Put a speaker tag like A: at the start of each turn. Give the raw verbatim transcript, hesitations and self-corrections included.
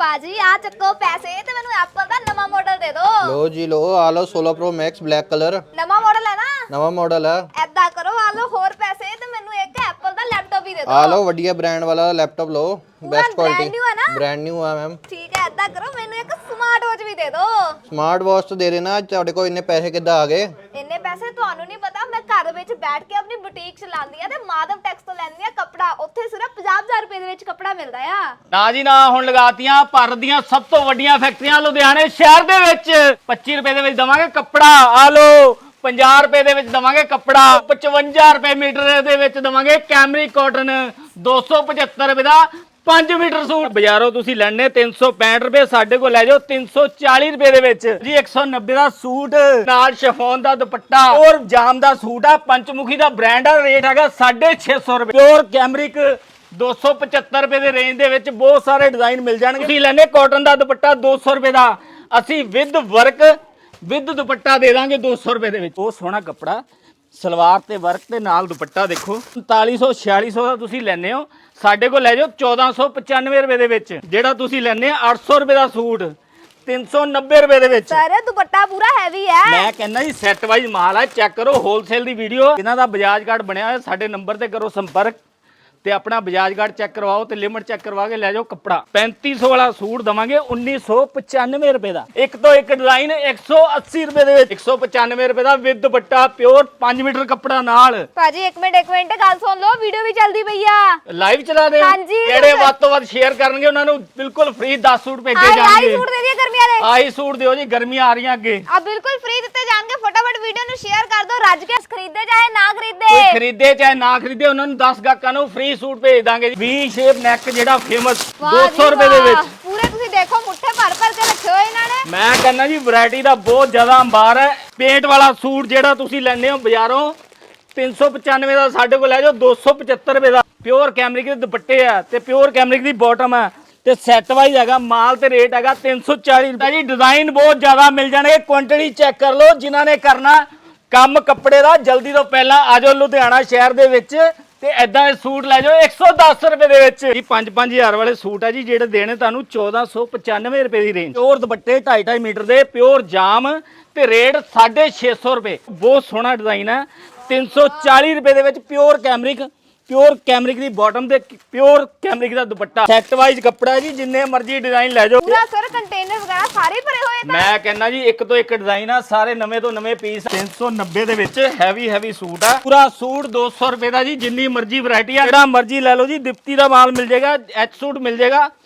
A: पाजी आ चक्को पैसे ते मैनू एप्पल दा नवा मॉडल दे दो।
B: लो जी लो, आ लो सोलह प्रो मैक्स ब्लैक कलर,
A: नवा मॉडल है ना?
B: नवा मॉडल है।
A: ऐदा करो आ लो होर पैसे ते मैनू एक एप्पल दा लैपटॉप ही दे दो।
B: आ लो बढ़िया ब्रांड वाला लैपटॉप लो, बेस्ट
A: ब्रांड
B: क्वालिटी।
A: न्यू है ना?
B: ब्रांड न्यू है मैम।
A: ठीक है, ऐदा करो मैनू एक स्मार्ट वॉच भी दे दो।
B: स्मार्ट वॉच तो दे देना। ਤੁਹਾਡੇ ਕੋਲ ਇੰਨੇ ਪੈਸੇ ਕਿੱਦਾਂ ਆ ਗਏ?
A: ਇੰਨੇ ਪੈਸੇ ਤੁਹਾਨੂੰ ਨਹੀਂ ਪਤਾ, ਮੈਂ ਘਰ ਵਿੱਚ ਬੈਠ ਕੇ ਆਪਣੀ ਬੁਟੀਕ ਚਲਾਉਂਦੀ ਆ ਤੇ ਮਾਧਵ ਟੈਕਸ ਤੋਂ ਲੈਂਦੀ ਆ ਕੱਪੜਾ। ਉੱਥੇ ਸਿਰਫ ਪੰਜਾਹ ਹਜ਼ਾਰ ਰੁਪਏ ਦੇ ਵਿੱਚ ਕੱਪੜਾ ਮਿਲਦਾ ਆ।
C: ਨਾ ਜੀ ਨਾ, ਹੁਣ ਲਗਾਤੀਆਂ ਭਾਰਤ ਦੀਆਂ ਸਭ ਤੋਂ ਵੱਡੀਆਂ ਫੈਕਟਰੀਆਂ ਲੁਧਿਆਣੇ ਸ਼ਹਿਰ ਦੇ ਵਿੱਚ। ਪੱਚੀ ਰੁਪਏ ਦੇ ਵਿੱਚ ਦਵਾਂਗੇ ਕੱਪੜਾ, ਆ ਲੋ। ਪੰਜਾਹ ਰੁਪਏ ਦੇ ਵਿੱਚ ਦਵਾਂਗੇ ਕੱਪੜਾ, ਪਚਵੰਜਾ ਰੁਪਏ ਮੀਟਰ ਦੇ ਵਿੱਚ ਦਵਾਂਗੇ ਕੈਮਰਿਕ ਕਾਟਨ, ਦੋ ਸੌ ਪਝੱਤਰ ਰੁਪਏ ਦਾ ਪੰਜ ਮੀਟਰ ਸੂਟ। ਬਾਜ਼ਾਰੋਂ ਤੁਸੀਂ ਲੈਣੇ ਤਿੰਨ ਸੌ ਪੈਂਹਠ ਰੁਪਏ, ਸਾਡੇ ਕੋਲ ਲੈ ਜਾਓ ਤਿੰਨ ਸੌ ਚਾਲੀ ਰੁਪਏ ਦੇ ਵਿੱਚ ਜੀ। ਇੱਕ ਸੌ ਨੱਬੇ ਦਾ ਸੂਟ ਨਾਲ ਸ਼ਿਫੋਨ ਦਾ ਦੁਪੱਟਾ ਔਰ ਜਾਮ ਦਾ ਸੂਟ ਆ, ਪੰਚਮੁਖੀ ਦਾ ਬ੍ਰਾਂਡ ਆ, ਰੇਟ ਹੈਗਾ ਸਾਢੇ ਛੇ ਸੌ ਰੁਪਏ। ਪਿਓਰ ਕੈਮਰਿਕ ਦੋ ਸੌ ਪਝੱਤਰ ਰੁਪਏ ਦੇ ਰੇਂਜ ਦੇ ਵਿੱਚ ਬਹੁਤ ਸਾਰੇ ਡਿਜ਼ਾਈਨ ਮਿਲ ਜਾਣਗੇ। ਤੁਸੀਂ ਲੈਣੇ ਕਾਟਨ ਦਾ ਦੁਪੱਟਾ ਦੋ ਸੌ ਰੁਪਏ ਦਾ, ਅਸੀਂ ਵਿਦ ਵਰਕ ਵਿਦ ਦੁਪੱਟਾ ਦੇ ਦਾਂਗੇ ਦੋ ਸੌ ਰੁਪਏ ਦੇ ਵਿੱਚ। ਬਹੁਤ ਸੋਹਣਾ ਕੱਪੜਾ, ਸਲਵਾਰ ਤੇ ਵਰਕ ਤੇ ਨਾਲ ਦੁਪੱਟਾ ਦੇਖੋ। ਉਨਤਾਲੀ ਸੌ ਛਿਆਲੀ ਸੌ ਦਾ ਤੁਸੀਂ ਲੈਣੇ ਹੋ, ਸਾਡੇ ਕੋਲ ਲੈ ਜਾਓ ਚੌਦਾਂ ਸੌ ਪਚਾਨਵੇਂ ਰੁਪਏ ਦੇ ਵਿੱਚ। ਜਿਹੜਾ ਤੁਸੀਂ ਲੈਣੇ ਆ ਅੱਠ ਸੌ ਰੁਪਏ ਦਾ ਸੂਟ ਤਿੰਨ ਸੌ ਨੱਬੇ ਰੁਪਏ ਦੇ ਵਿੱਚ।
A: ਸਰ ਦੁਪੱਟਾ ਪੂਰਾ ਹੈਵੀ ਹੈ।
C: ਮੈਂ ਕਹਿੰਦਾ ਜੀ ਸੈੱਟ ਵਾਈਜ਼ ਮਾਲ ਹੈ, ਚੈੱਕ ਕਰੋ। ਹੋਲਸੇਲ ਦੀ ਵੀਡੀਓ, ਇਹਨਾਂ ਦਾ ਬਜਾਜ ਕਾਰਡ ਬਣਿਆ ਹੋਇਆ, ਸਾਡੇ ਨੰਬਰ ਤੇ ਕਰੋ ਸੰਪਰਕ ਤੇ ਆਪਣਾ ਬਜਾਜ ਕਾਰਡ ਚੈੱਕ ਕਰਵਾਓ ਤੇ ਲਿਮਟ ਚੈੱਕ ਕਰਵਾ ਕੇ ਲੈ ਜਾਓ ਕੱਪੜਾ। ਪੈਂਤੀ ਸੌ ਵਾਲਾ ਸੂਟ ਦਵਾਂਗੇ ਉੱਨੀ ਸੌ ਪਚਾਨਵੇਂ ਰੁਪਏ ਦਾ। ਇੱਕ ਤੋਂ ਇੱਕ ਡਿਜ਼ਾਈਨ ਇੱਕ ਸੌ ਅੱਸੀ ਰੁਪਏ ਦੇ ਵਿੱਚ। ਇੱਕ ਸੌ ਪਚਾਨਵੇਂ ਰੁਪਏ ਦਾ ਵਿਦ ਦੁਪੱਟਾ, ਪਿਓਰ ਪੰਜ ਮੀਟਰ ਕੱਪੜਾ ਨਾਲ।
A: ਭਾਜੀ ਇੱਕ ਮਿੰਟ ਇੱਕ ਮਿੰਟ ਗੱਲ ਸੁਣ ਲਓ, ਵੀਡੀਓ ਵੀ ਚੱਲਦੀ ਪਈ ਆ।
C: ਲਾਈਵ ਚਲਾ ਦੇ।
A: ਹਾਂਜੀ।
C: ਜਿਹੜੇ ਵੱਧ ਤੋਂ ਵੱਧ ਸ਼ੇਅਰ ਕਰਨਗੇ ਉਹਨਾਂ ਨੂੰ ਬਿਲਕੁਲ ਫ੍ਰੀ ਦਸ ਸੂਟ ਭੇਜੇ
A: ਆਈ
C: ਜਾਣਗੇ।
A: ਸੂਟ ਦੇ ਦਿਓ ਗਰਮੀਆਂ ਦੇ।
C: ਆਹੀ ਸੂਟ ਦਿਓ ਜੀ, ਗਰਮੀਆਂ ਆ ਰਹੀਆਂ ਅੱਗੇ।
A: ਆ ਬਿਲਕੁਲ ਫ੍ਰੀ ਦਿੱਤੇ ਜਾਣਗੇ। ਫਟਾਫਟ ਵੀਡੀਓ ਨੂੰ ਸ਼ੇਅਰ ਕਰ ਦਿਓ। ਰੱਜ ਕੇ ਖਰੀਦੇ ਚਾਹੇ ਨਾ ਖਰੀਦੇ,
C: ਕੋਈ ਖਰੀਦੇ ਚਾਹੇ ਨਾ ਖਰੀਦੇ, ਉਹਨਾਂ ਨੂੰ ਦਸ ਗਾਹਕਾਂ ਨੂੰ ਫ੍ਰੀ ਸੂਟ ਭੇਜ ਦਾਂਗੇ। ਵੀ ਸ਼ੇਪ ਨੈਕ ਜਿਹੜਾ ਫੇਮਸ ਦੋ ਸੌ ਰੁਪਏ ਦੇ ਵਿੱਚ।
A: ਪੂਰੇ ਤੁਸੀਂ ਦੇਖੋ ਮੁੱਠੇ ਭਰ ਭਰ ਕੇ ਰੱਖੇ ਹੋਏ ਇਹਨਾਂ ਨੇ।
C: ਮੈਂ ਕਹਿੰਦਾ ਜੀ ਵੈਰਾਈਟੀ ਦਾ ਬਹੁਤ ਜ਼ਿਆਦਾ ਅੰਬਾਰ ਹੈ। ਪੇਂਟ ਵਾਲਾ ਸੂਟ ਜਿਹੜਾ ਤੁਸੀਂ ਲੈਣੇ ਹੋ ਬਾਜ਼ਾਰੋਂ ਤਿੰਨ ਸੌ ਪਚਾਨਵੇਂ ਦਾ, ਸਾਡੇ ਕੋਲ ਲੈ ਜਾਓ ਦੋ ਸੌ ਪਝੱਤਰ ਰੁਪਏ ਦਾ। ਪਿਓਰ ਕੈਮਰਿਕ ਦੇ ਦੁਪੱਟੇ ਆ ਤੇ ਪਿਓਰ ਕੈਮਰਿਕ ਦੀ ਬਾਟਮ ਹੈ ਤੇ ਸੈੱਟ ਵਾਈਜ਼ ਹੈਗਾ ਮਾਲ ਤੇ ਰੇਟ ਹੈਗਾ ਤਿੰਨ ਸੌ ਚਾਲੀ ਰੁਪਏ ਜੀ। ਡਿਜ਼ਾਈਨ ਬਹੁਤ ਜ਼ਿਆਦਾ ਮਿਲ ਜਾਣਗੇ, ਕੁਆਂਟੀਟੀ ਚੈੱਕ ਕਰ ਲਓ। ਜਿਨ੍ਹਾਂ ਨੇ ਕਰਨਾ ਕੰਮ ਕੱਪੜੇ ਦਾ ਜਲਦੀ ਤੋਂ ਪਹਿਲਾਂ ਆ ਜਾਓ ਲੁਧਿਆਣਾ ਸ਼ਹਿਰ ਦੇ ਵਿੱਚ ਤੇ ਐਦਾਂ ਦੇ ਸੂਟ ਲੈ ਜਾਓ ਇੱਕ ਸੌ ਦਸ ਰੁਪਏ ਦੇ ਵਿੱਚ ਜੀ। ਪੰਜ ਪੰਜ ਹਜ਼ਾਰ ਵਾਲੇ ਸੂਟ ਆ ਜੀ, ਜਿਹੜੇ ਦੇਣੇ ਤੁਹਾਨੂੰ ਚੌਦਾਂ ਸੌ ਪਚਾਨਵੇਂ ਰੁਪਏ ਦੀ ਰੇਂਜ। ਪਿਓਰ ਦੁਪੱਟੇ ਢਾਈ ਢਾਈ ਮੀਟਰ ਦੇ, ਪਿਓਰ ਜਾਮ ਤੇ ਰੇਟ ਸਾਢੇ ਛੇ ਸੌ ਰੁਪਏ। ਬਹੁਤ ਸੋਹਣਾ ਡਿਜ਼ਾਈਨ ਹੈ, ਤਿੰਨ ਸੌ ਚਾਲੀ ਰੁਪਏ ਦੇ ਵਿੱਚ। ਪਿਓਰ ਕੈਮਰਿਕ, ਪਿਓਰ ਕੈਮਰਿਕ ਦੀ ਬਾਟਮ ਤੇ ਪਿਓਰ ਕੈਮਰਿਕ ਦਾ ਦੁਪੱਟਾ। ਸੈੱਟ ਵਾਈਜ਼ ਕੱਪੜਾ ਜੀ, ਜਿੰਨੇ ਮਰਜ਼ੀ ਡਿਜ਼ਾਈਨ ਲੈ ਜਾਓ।
A: ਪੂਰਾ ਸਰ ਕੰਟੇਨਰ ਵਗੈਰਾ ਸਾਰੇ ਭਰੇ ਹੋਏ ਤਾਂ।
C: ਮੈਂ ਕਹਿੰਦਾ ਜੀ ਇੱਕ ਤੋਂ ਇੱਕ ਡਿਜ਼ਾਈਨ ਆ, ਸਾਰੇ ਨਵੇਂ ਤੋਂ ਨਵੇਂ ਪੀਸ। ਤਿੰਨ ਸੌ ਨੱਬੇ ਦੇ ਵਿੱਚ ਹੈਵੀ ਹੈਵੀ ਸੂਟ ਆ। ਪੂਰਾ ਸੂਟ ਦੋ ਸੌ ਰੁਪਏ ਦਾ ਜੀ, ਜਿੰਨੀ ਮਰਜ਼ੀ ਵੈਰਾਈਟੀ ਆ, ਜਿਹੜਾ ਮਰਜ਼ੀ ਲੈ ਲਓ ਜੀ। ਦਿਪਤੀ ਦਾ ਮਾਲ ਮਿਲ ਜਾਏਗਾ, ਐਚ ਸੂਟ ਮਿਲ ਜਾਏਗਾ।